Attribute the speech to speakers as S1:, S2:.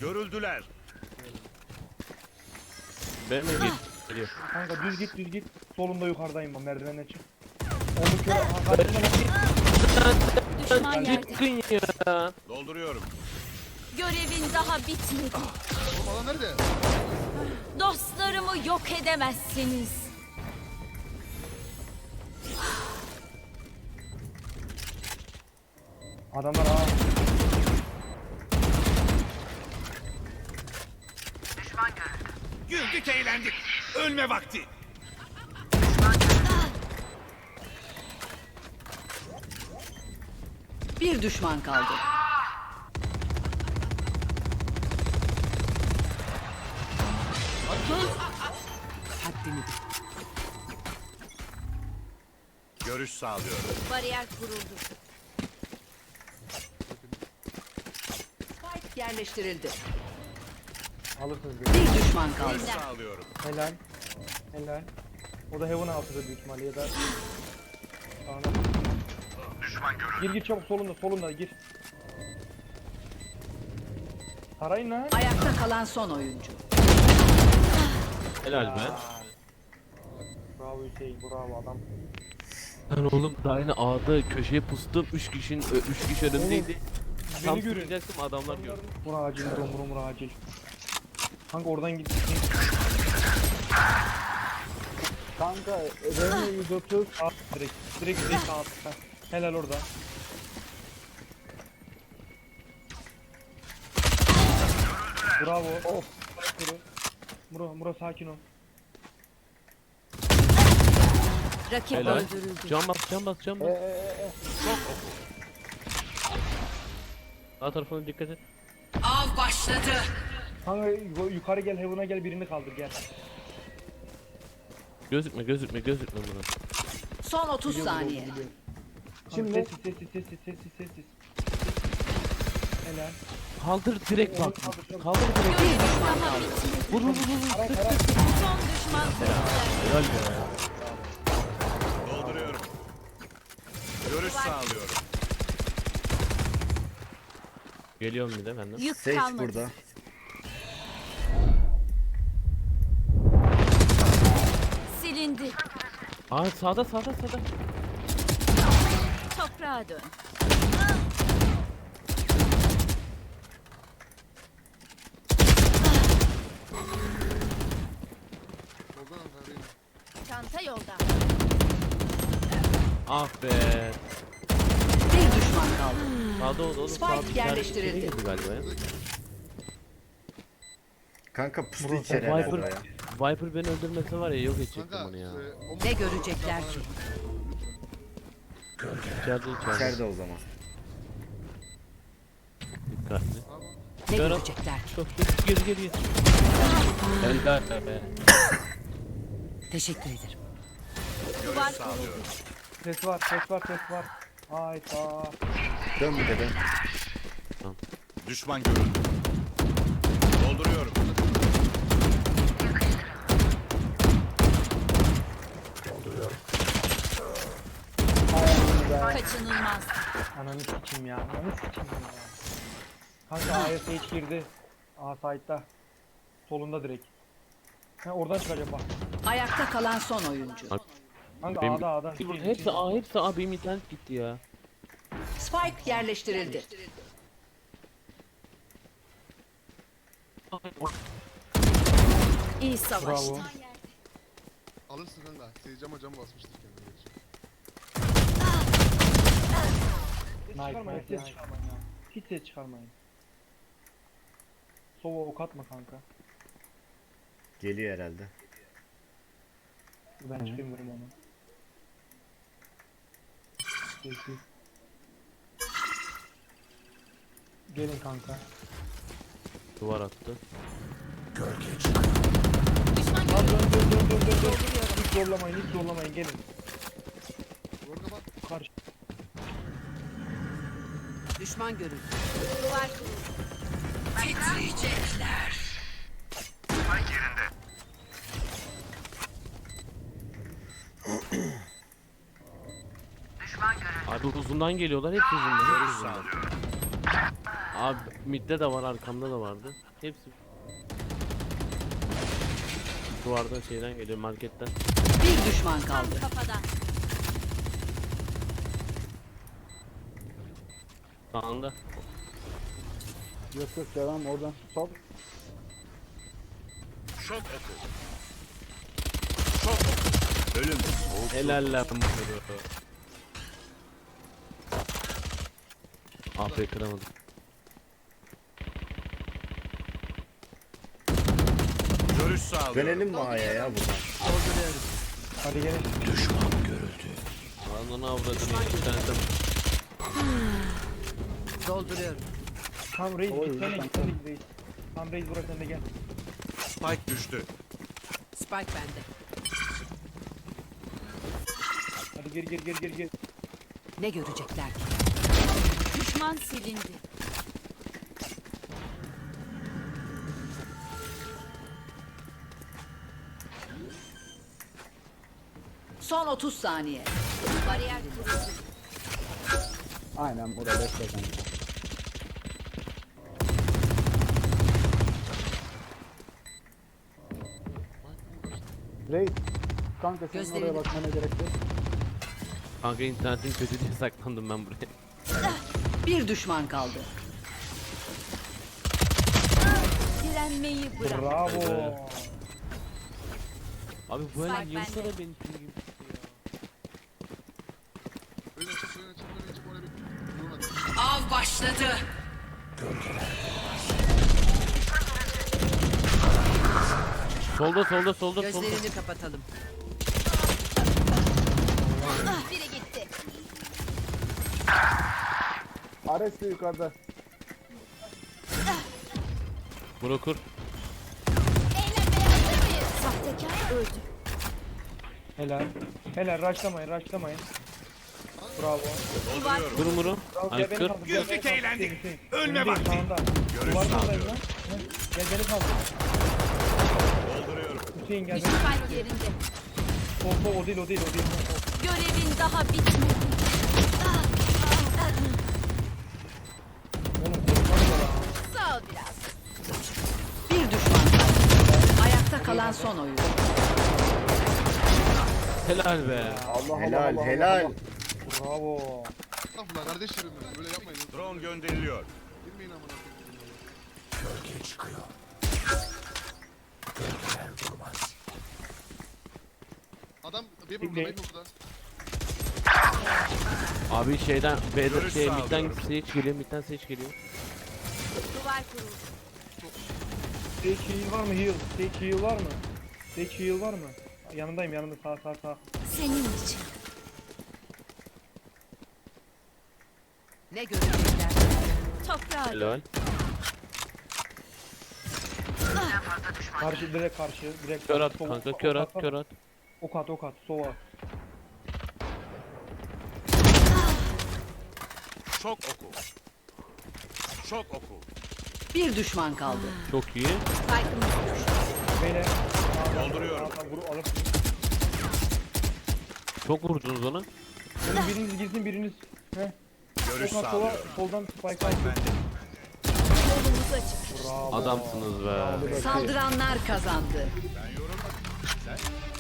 S1: Görüldüler.
S2: Ben mi geliyor?
S3: Kanka düz git. Solunda yukarıdayım ben, merdivenden çık. Onu kör. Karşımda
S4: Düşman yerde.
S2: Çıkın ya.
S1: Dolduruyorum.
S4: Görevin daha bitmedi.
S5: Oğlum adam nerede?
S4: Dostlarımı yok edemezsiniz.
S3: adamlar ha.
S1: Güldük eğlendik. Ölme vakti.
S6: Bir düşman kaldı. Haddini bil.
S1: Görüş sağlıyorum.
S4: Bariyer kuruldu.
S6: Spike yerleştirildi.
S3: Alırsınız beni.
S6: Bir düşman kaldı.
S1: Görüş sağlıyorum.
S3: Helal. O da heaven altıda büyük ihtimalle ya da... Sağına. Gir çabuk, solunda gir. Sarayın lan.
S6: Ayakta kalan son oyuncu.
S2: Helal be.
S3: Bravo Hüseyin, bravo adam.
S2: Lan oğlum daha yine A'da köşeye pustum. 3 kişi önümdeydi. Tam
S3: Beni görün.
S2: tutacaktım adamlar gördü.
S3: Bura acil, bura acil. Kanka oradan git. Kanka Rene 130 at direkt at. Helal orada. Bravo. Of. Muro sakin ol.
S6: Rakip
S2: Helal.
S6: öldürüldü.
S2: Can bas. Sağ tarafına dikkat et.
S6: Av başladı.
S3: Kanka yukarı gel, heaven'a gel, birini kaldır gel.
S2: Gözükme buna.
S6: Son 30 saniye.
S3: Şimdi sessiz. Helal.
S2: Kaldır direkt bak. Kaldır direkt.
S6: Bir düşman
S4: Daha
S6: kaldı.
S4: bitmedi.
S2: Vur.
S4: Son düşman
S2: Helal be.
S1: Dolduruyorum. Görüş sağlıyorum.
S2: Geliyorum bir de benden.
S4: yük
S7: Sage
S4: kalmadı.
S7: burada.
S4: Silindi.
S2: Aa sağda.
S4: Toprağa dön.
S5: Oldu lan kardeşim.
S4: Çanta yolda.
S2: Ah be.
S6: Bir düşman kaldı.
S2: Sağda oldu oğlum.
S6: Spike
S2: Sağda bir tane
S6: yerleştirildi.
S2: içeri girdi galiba ya.
S7: Kanka pusu
S3: Burası
S7: içeri
S2: Viper.
S7: herhalde o ya.
S2: Viper beni öldürmese var ya yok edecektim
S5: Kanka
S2: onu ya.
S5: o
S6: Ne görecekler ki?
S2: İçeride.
S7: İçeride o zaman.
S2: Dikkatli.
S6: Ne
S2: Berat.
S6: görecekler ki?
S2: Çok geri. Helal be.
S6: Teşekkür ederim.
S4: Duvar
S1: Görüş sağlıyorum.
S3: Ses var. Hayda.
S7: Dön bir de dön.
S1: Düşman görüldü. Dolduruyorum.
S4: kaçınılmaz.
S3: Ananı sikeyim ya. Kanka A'ya Sage girdi. A side'da. Solunda direkt. Oradan çıkacak bak.
S6: Ayakta kalan son oyuncu.
S3: Kanka
S2: Benim-
S3: A'da.
S2: Hepsi A benim internet gitti ya.
S6: Spike yerleştirildi.
S4: İyi savaştı.
S3: Bravo.
S5: alırsın kanka. Seyircama cam basmıştır kendine.
S3: Nice. Ses çıkarmayın ya. Hiç ses çıkarmayın. Sova ok atma kanka.
S7: Geliyor herhalde.
S3: Ben çıkayım vurum onu. Sessiz. Gelin kanka.
S2: Duvar attı.
S3: Lan dön. Hiç zorlamayın gelin.
S5: Orada bak.
S3: Karşı.
S6: Düşman görüldü.
S4: Duvar kuruldu.
S6: Titriyecekler.
S2: Abi uzundan geliyorlar hepsi uzundan.
S1: Görüş sağlıyorum.
S2: Abi midde de var, arkamda da vardı. Hepsi. Duvardan şeyden geliyor, marketten.
S6: Bir düşman
S4: Tam
S6: kaldı.
S4: kafadan.
S2: Sağında.
S8: Yok yok devam oradan. Sol.
S1: Şok oku. Şok oku. Ölüm. Soğuk.
S2: Helal lan bunu. AP kıramadım.
S1: Görüş sağlıyorum.
S7: Dönelim mi A'ya ya buradan?
S3: Hadi gelin.
S2: Ananı avradını internetten.
S6: Dolduruyorum.
S3: Tam Reis
S8: Oy,
S3: gitsene
S8: lütfen.
S3: gitsene Reis. Tam Reis burası sen de gel.
S1: Spike düştü.
S6: Spike bende.
S3: Hadi gir.
S6: Ne görecekler ki?
S4: Düşman silindi.
S6: Son 30 saniye.
S4: Bariyer kuruldu.
S8: Aynen burada bekle kanka. Reis. Kanka senin
S6: Gözlerini-
S8: oraya bakmana gerek yok.
S2: Kanka internetin kötü diye saklandım ben buraya.
S6: Bir düşman kaldı.
S4: Direnmeyi bırak.
S3: Bravo.
S2: Abi bu el
S4: Spike
S2: yılsana
S4: bende.
S2: beni pil gibi.
S5: Öyle çık oraya bir. Vurun hadi.
S6: Av başladı.
S2: Solda.
S6: Gözlerini kapatalım.
S4: Ah, biri gitti.
S8: Ares de yukarıda.
S2: Brokur.
S4: Eğlenmeye hazır mıyız? Sahtekar öldü.
S3: Helal. Rushlamayın. Bravo.
S4: Duvar
S1: Dolduruyorum.
S2: Vurun.
S3: Bravo.
S2: Ay
S3: Gel beni
S2: kır.
S3: kaldır.
S1: Güldük, eğlendik. Ölme
S3: Önündeyim,
S1: vakti.
S3: sağında.
S1: Görüş
S3: Duvarın oradayım
S1: sağlıyorum.
S3: lan. Heh, Gel beni kaldır.
S1: Dolduruyorum.
S3: Hüseyin gel beni.
S4: Spike yerinde.
S3: Sol o değil.
S4: Görevin daha bitmedi.
S3: Oğlum korkmadı da.
S4: Sağ ol biraz.
S6: Bir düşman kaldı. Ayakta kalan son oyuncu.
S2: Helal be.
S8: Allah
S7: Helal.
S3: Bravo.
S5: Estağfurullah kardeşlerim benim. Böyle yapmayın.
S1: Drone gönderiliyor.
S5: Girmeyin amına koyayım. Adam bir burada, bir burada.
S2: Abi şeyden B'de
S1: Görüş
S2: şey
S1: sağlıyorum.
S2: midden seç geliyor, midden seç geliyor.
S4: Duvar kuruldu.
S3: Sage heal var mı? Sage heal var mı? Yanında sağ.
S4: Senin için.
S6: Ne görecekler?
S4: Toprağa
S2: Helal.
S3: Direkt karşı.
S2: Kör at
S3: Sol-
S2: kanka,
S3: ok
S2: kör
S3: at,
S2: at, kör at.
S3: Ok at. Sova.
S1: Şok oku. Şok oku.
S6: Bir düşman kaldı.
S2: Çok iyi.
S4: Spike'ımız düştü.
S3: Beyler.
S1: Dolduruyorum.
S3: Vuru alıp.
S2: Çok vurdunuz ona.
S3: Oğlum biriniz girsin biriniz. Heh.
S1: Görüş
S3: Ok at sola.
S1: sağlıyorum.
S3: Soldan spike
S1: Spike
S3: at.
S1: bende.
S4: Yolumuz açık.
S3: Bravo.
S2: Adamsınız be.
S6: Saldıranlar kazandı.
S1: Ben yorulmadım. Sen?